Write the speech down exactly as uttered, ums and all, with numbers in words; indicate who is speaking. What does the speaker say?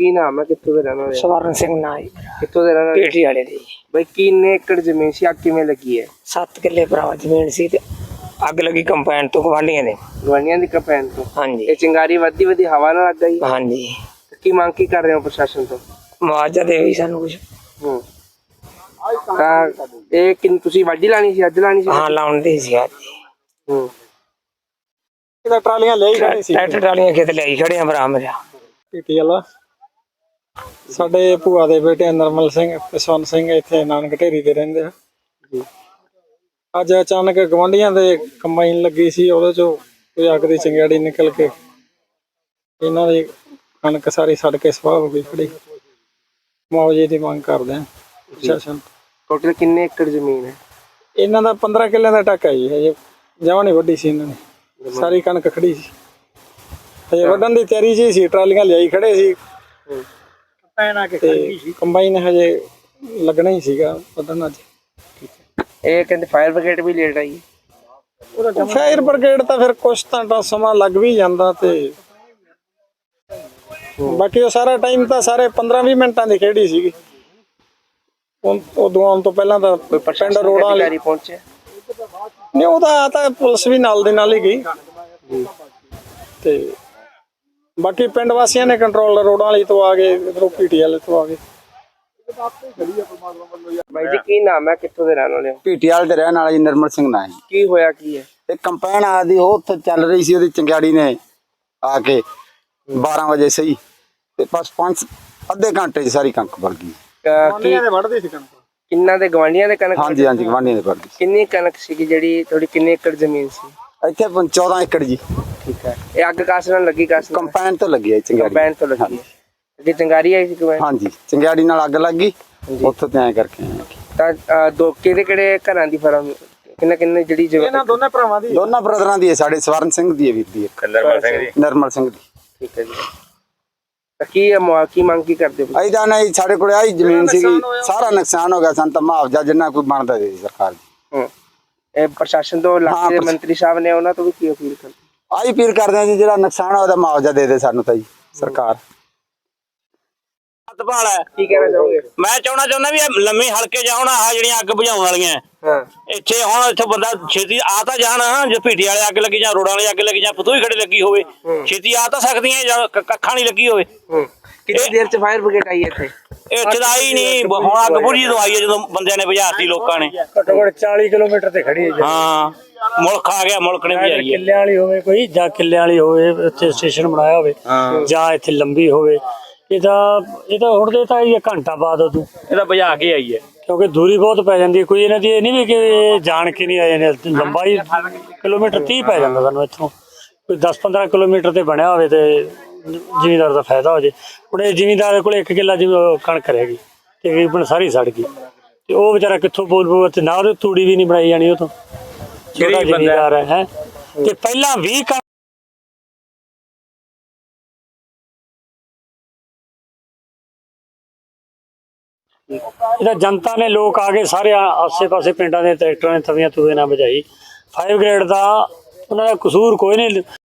Speaker 1: की नाम है, कितों दे रहने वाले?
Speaker 2: सवर्ण सिंह ना ही
Speaker 1: कितों दे रहने वाले?
Speaker 2: पेटी वाले दी
Speaker 1: भाई किन्ने एकड़ जमीन सी अग किवें लगी है?
Speaker 2: सत्त किले भरा जमीन सी ते अग लगी कंपाउंड तो गवांढियां ने।
Speaker 1: गवानियां दी कंपेन तो
Speaker 2: हाँ
Speaker 1: ये
Speaker 2: जी
Speaker 1: चिंगारी वधी वधी हवा ना लग गई।
Speaker 2: हाँ जी
Speaker 1: की मांग की कर रहे हो प्रशासन तो?
Speaker 2: मुआवजा दे भी सानू कुछ।
Speaker 1: हम्म ਤਾਂ ਇਹ ਕਿੰਨ ਤੁਸੀਂ ਵਾਢੀ ਲਾਣੀ ਸੀ, ਅੱਜ ਲਾਣੀ ਸੀ?
Speaker 2: हाँ लाउन दी सी आज
Speaker 1: ਹੂੰ
Speaker 3: ਇਹਦਾ ਟਰਾਲੀਆਂ ਲੈ ਹੀ ਖੜੇ ਸੀ
Speaker 2: ट्रैक्टर ट्रालियां खेत ले आई खड़े हैं भरा मेरा।
Speaker 3: ਪੀਟੀ ਵਾਲਾ ਸਾਡੇ ਭੂਆ ਦੇ ਬੇਟੇ ਨਰਮਲ ਸਿੰਘ ਤੇ ਸਵਰਨ ਸਿੰਘ ਇੱਥੇ ਨਾਨਕ ਢੇਰੀ ਤੇ ਰਹਿੰਦੇ ਆ
Speaker 1: ਜੀ।
Speaker 3: ਅੱਜ ਅਚਾਨਕ ਗਵਾਂਢੀਆਂ ਦੇ ਕੰਬਾਈਨ ਲੱਗੀ ਸੀ, ਉਹਦੇ ਚੋਂ ਕੋਈ ਅੱਗ ਦੀ ਚਿੰਗਾੜੀ ਨਿਕਲ ਕੇ ਇਹਨਾਂ ਦੀ ਕਣਕ ਸਾਰੀ ਸੜ ਕੇ ਸਵਾਹ ਹੋ ਗਈ ਖੜੀ। ਮੁਆਵਜ਼ੇ ਦੀ ਮੰਗ ਕਰਦੇ ਆ ਪ੍ਰਸ਼ਾਸਨ।
Speaker 1: ਟੋਟਲ ਕਿੰਨੇ ਏਕੜ ਜ਼ਮੀਨ ਹੈ?
Speaker 3: ਇਹਨਾਂ ਦਾ ਪੰਦਰਾਂ ਕਿੱਲਿਆਂ ਦਾ ਟੱਕ ਹੈ ਜੀ, ਹਜੇ ਜਮਾਂ ਨਹੀਂ ਵੱਢੀ ਸੀ ਇਹਨਾਂ ਨੇ, ਸਾਰੀ ਕਣਕ ਖੜੀ ਸੀ, ਹਜੇ ਵੱਢਣ ਦੀ ਤਿਆਰੀ 'ਚ ਹੀ ਸੀ। ਟਰਾਲੀਆਂ ਲਿਆਈ ਖੜੇ ਸੀ ਤੇ ਕੰਬਾਈਨ ਹਜੇ ਲੱਗਣਾ ਹੀ ਸੀਗਾ ਵੱਢਣ ਅੱਜ।
Speaker 1: ਇਹ ਕਹਿੰਦੇ ਫਾਇਰ ਬ੍ਰਿਗੇਡ ਵੀ ਲੇਟ ਆਈ ਹੈ।
Speaker 3: ਫਾਇਰ ਬ੍ਰਿਗੇਡ ਤਾਂ ਫਿਰ ਕੁਛ ਤਾਂ ਸਮਾਂ ਲੱਗ ਵੀ ਜਾਂਦਾ ਤੇ ਬਾਕੀ ਉਹ ਸਾਰਾ ਟਾਈਮ ਤਾਂ ਸਾਰੇ ਪੰਦਰਾਂ ਵੀਹ ਮਿੰਟਾਂ ਦੀ ਖੇਡੀ ਸੀਗੀ। ਉਦੋਂ ਆਉਣ ਤੋਂ ਪਹਿਲਾਂ ਤਾਂ
Speaker 1: ਕੋਈ
Speaker 3: ਪਿੰਡ
Speaker 1: ਪ੍ਰਸ਼ਾਸਨ
Speaker 3: ਰੋਡਾਂ ਵਾਲੀ
Speaker 1: ਅਧਿਕਾਰੀ ਪਹੁੰਚੇ?
Speaker 3: ਨਹੀਂ, ਉਹ ਤਾਂ ਤਾਂ ਪੁਲਿਸ ਵੀ ਨਾਲ ਦੇ ਨਾਲ ਹੀ ਗਈ ਤੇ ਬਾਕੀ ਪਿੰਡ ਵਾਸੀਆਂ ਨੇ ਕੰਟਰੋਲ ਰੋਡਾਂ ਵਾਲੀ ਤੋਂ ਆ ਗਏ, ਇਧਰੋਂ ਪੀਟੀ ਵਾਲੇ ਤੋਂ ਆ ਗਏ।
Speaker 1: ਬਾਈ ਜੀ ਕੀ ਨਾਮ ਹੈ, ਕਿੱਥੋਂ ਦੇ ਰਹਿਣ ਵਾਲੇ ਹੋ?
Speaker 4: ਪੀਟੀਆਲ ਦੇ ਰਹਿਣ ਵਾਲਾ ਜੀ ਨਰਮਲ ਸਿੰਘ ਨਾਂ ਜੀ।
Speaker 1: ਕੀ ਹੋਇਆ ਕੀ ਹੈ?
Speaker 4: ਤੇ ਕੰਪੈਨ ਆਦੀ ਉਹ ਉੱਥੇ ਚੱਲ ਰਹੀ ਸੀ, ਉਹਦੀ ਚੰਗਿਆੜੀ ਨੇ ਆ ਕੇ ਬਾਰਾਂ ਵਜੇ ਸਹੀ ਤੇ ਬਸ ਪੰਜ ਅੱਧੇ ਘੰਟੇ 'ਚ ਸਾਰੀ ਕਣਕ ਵੜ ਗਈ।
Speaker 1: ਅਹ ਕੀ
Speaker 3: ਵੱਢਦੇ ਸੀ ਕਣਕ
Speaker 1: ਕਿੰਨਾ ਦੇ ਗਵਾਂਢੀਆਂ ਦੇ ਕਣਕ?
Speaker 4: ਹਾਂਜੀ ਹਾਂਜੀ ਗਵਾਂਢੀਆਂ ਦੇ ਵੜ ਗਈ।
Speaker 1: ਕਿੰਨੀ ਕਣਕ ਸੀਗੀ ਜਿਹੜੀ ਤੁਹਾਡੀ, ਕਿੰਨੇ ਏਕੜ ਜ਼ਮੀਨ ਸੀ?
Speaker 4: ਇੱਥੇ ਪੰ- ਚੌਦਾਂ ਏਕੜ ਜੀ।
Speaker 1: ਠੀਕ ਹੈ। ਇਹ ਅੱਗ ਕਾਸ ਨਾਲ ਲੱਗੀ? ਕਾਸ ਨਾਲ?
Speaker 4: ਕੰਪੈਨ ਤੋਂ ਲੱਗੀ ਹੈ ਚੰਗਿਆੜੀ।
Speaker 1: ਕੰਬਾਈਨ ਤੋਂ ਲੱਗੀ ਹੈ। ਅੱਗੇ ਚੰਗਾਰੀ ਆਈ ਸੀ ਕੰਬਾਈਨ?
Speaker 4: ਹਾਂਜੀ ਚੰਗਿਆੜੀ ਨਾਲ ਅੱਗ ਲੱਗ ਗਈ, ਉੱਥੋਂ ਤੇ ਐਂ ਕਰਕੇ ਆਏ।
Speaker 1: ਤਾਂ ਅਹ, ਦੋ ਕਿਹੜੇ ਕਿਹੜੇ ਘਰਾਂ ਦੀ ਫਰਮ, ਕਿੰਨੇ ਕਿੰਨੇ ਜਿਹੜੀ ਜਗ੍ਹਾ?
Speaker 3: ਇਹਨਾਂ ਦੋਨੇ ਭਰਾਵਾਂ ਦੀ
Speaker 4: ਦੋਨਾਂ ਬ੍ਰਦਰਾਂ ਦੀ ਹੈ, ਸਾਡੇ ਸਵਰਨ ਸਿੰਘ ਦੀ ਹੈ ਵੀਰ ਦੀ, ਇੱਕ
Speaker 1: ਨਰਮਲ ਸਿੰਘ ਦੀ।
Speaker 4: ਨਰਮਲ ਸਿੰਘ ਦੀ।
Speaker 1: ਠੀਕ ਹੈ ਜੀ। ਤਾਂ ਕੀ ਹੈ ਮੁਆ- ਕੀ ਮੰਗ ਕੀ ਕਰਦੇ ਹੋ?
Speaker 4: ਅਜਾ ਨਹੀਂ, ਸਾਡੇ ਕੋਲ ਆਹੀ ਜ਼ਮੀਨ ਸੀਗੀ, ਸਾਰਾ ਨੁਕਸਾਨ ਹੋ ਗਿਆ, ਸਾਨੂੰ ਤਾਂ ਮੁਆਵਜ਼ਾ ਜਿੰਨਾ ਕੋਈ ਬਣਦਾ ਦੇ ਸਰਕਾਰ ਜੀ।
Speaker 1: ਹੂੰ ਇਹ ਪ੍ਰਸ਼ਾਸਨ ਤੋਂ ਇਲਾਕੇ ਦੇ ਮੰਤਰੀ ਸਾਹਿਬ ਨੇ, ਉਹਨਾਂ ਤੋਂ ਵੀ ਕੀ ਅਪੀਲ ਕਰਦੇ?
Speaker 4: ਆਹੀ ਅਪੀਲ ਕਰਦੇ ਆ ਜੀ, ਜਿਹੜਾ ਨੁਕਸਾਨ ਆ ਉਹਦਾ ਮੁਆਵਜ਼ਾ ਦੇ ਦੇ ਸਾਨੂੰ ਤਾਂ ਜੀ ਸਰਕਾਰ।
Speaker 5: ਭਾਲ ਹੈ
Speaker 1: ਕੀ ਕਹਿਣਾ ਚਾਹੋਗੇ?
Speaker 5: ਮੈਂ ਚਾਹਣਾ ਚਾਹੁੰਦਾ ਵੀ ਇਹ ਲੰਮੀ ਹਲਕੇ ਜਾ ਹੁਣ ਆਹ ਜਿਹੜੀਆਂ ਅੱਗ ਬੁਝਾਉਣ ਵਾਲੀਆਂ
Speaker 1: ਹਾਂ
Speaker 5: ਇੱਥੇ ਹੁਣ ਇੱਥੇ ਬੰਦਾ ਛੇਤੀ ਆ ਤਾਂ ਜਾਣ, ਜੇ ਭੀਟੀ ਵਾਲੇ ਅੱਗ ਲੱਗੀ ਜਾਂ ਰੋਡਾਂ ਵਾਲੀ ਅੱਗ ਲੱਗੀ ਜਾਂ ਫਤੂਹੀ ਖੜੇ ਲੱਗੀ ਹੋਵੇ, ਛੇਤੀ ਆ ਤਾਂ ਸਕਦੀਆਂ ਜਾਂ ਕ- ਕੱਖਾਂ ਨਹੀਂ ਲੱਗੀ ਹੋਵੇ।
Speaker 1: ਹੂੰ ਕਿੰਨੀ ਦੇਰ ਚ ਫਾਇਰ ਬ੍ਰਿਗੇਡ ਆਈ ਇੱਥੇ?
Speaker 5: ਇੱਥੇ ਤਾਂ ਆਈ ਨਹੀਂ, ਹੁਣ ਅੱਗ ਬੁਝੀ ਤੋਂ ਆਈ ਹੈ ਜਦੋਂ ਬੰਦਿਆਂ ਨੇ ਬੁਝਾਤੀ ਲੋਕਾਂ ਨੇ।
Speaker 2: ਘੱਟੋ ਘੱਟ ਚਾਲੀ ਕਿਲੋਮੀਟਰ ਤੇ ਖੜੀ ਹੈ
Speaker 5: ਹਾਂ ਮੁਲਕ ਆ ਗਿਆ, ਮੁਲਕ ਨੇ ਬੁਝਾਈ ਹੈ।
Speaker 2: ਕਿੱਲਿਆਂ ਵਾਲੀ ਹੋਵੇ ਕੋਈ, ਜਾਂ ਕਿੱਲਿਆਂ ਵਾਲੀ ਹੋਵੇ ਇੱਥੇ ਸਟੇਸ਼ਨ ਬਣਾਇਆ ਹੋਵੇ, ਜਾਂ ਇੱਥੇ ਲੰਬੀ ਹੋਵੇ। ਇਹ ਤਾਂ ਇਹ ਤਾਂ ਹੁਣ ਦੇ ਤਾਂ ਇਹ ਘੰਟਾ ਬਾਅਦ ਉਦੋਂ
Speaker 5: ਇਹ ਤਾਂ ਬੁਝਾ ਕੇ ਆਈ ਹੈ,
Speaker 2: ਕਿਉਂਕਿ ਦੂਰੀ ਬਹੁਤ ਪੈ ਜਾਂਦੀ ਹੈ। ਕੋਈ ਇਹਨਾਂ ਦੀ ਇਹ ਨਹੀਂ ਵੀ ਕਿ ਇਹ ਜਾਣ ਕੇ ਨਹੀਂ ਆਏ ਨੇ, ਲੰਬਾਈ ਕਿਲੋਮੀਟਰ ਤੀਹ ਪੈ ਜਾਂਦਾ ਸਾਨੂੰ ਇੱਥੋਂ। ਕੋਈ ਦਸ ਪੰਦਰਾਂ ਕਿਲੋਮੀਟਰ ਤੇ ਬਣਿਆ ਹੋਵੇ ਤੇ ਜ਼ਿਮੀਂਦਾਰ ਦਾ ਫਾਇਦਾ ਹੋ ਜੇ। ਹੁਣ ਇਹ ਜ਼ਿਮੀਂਦਾਰ ਕੋਲ ਇੱਕ ਕਿੱਲਾ ਜਿਵੇਂ ਕਣਕ ਰਹਿ ਗਈ, ਤਕਰੀਬਨ ਸਾਰੀ ਸੜ ਗਈ, ਤੇ ਉਹ ਵਿਚਾਰਾ ਕਿੱਥੋਂ ਬੋਲ ਬੋਲ ਤੇ ਨਾ ਉਹਦੀ ਤੂੜੀ ਵੀ ਨਹੀਂ ਬਣਾਈ ਜਾਣੀ। ਉਹ ਤੋਂ ਛੋਟਾ ਜ਼ਿਮੀਂਦਾਰ ਹੈ ਹੈ ਤੇ ਪਹਿਲਾਂ ਵੀ ਇਹਦਾ ਜਨਤਾ ਨੇ, ਲੋਕ ਆ ਗਏ ਸਾਰੇ ਆਸੇ ਪਾਸੇ ਪਿੰਡਾਂ ਦੇ ਟਰੈਕਟਰਾਂ ਨੇ ਤਵੀਆਂ ਤੂਵੇ ਨਾਲ ਬੁਝਾਈ। ਫਾਇਰ ਬ੍ਰਿਗੇਡ ਦਾ ਉਹਨਾਂ ਦਾ ਕਸੂਰ ਕੋਈ ਨਹੀਂ।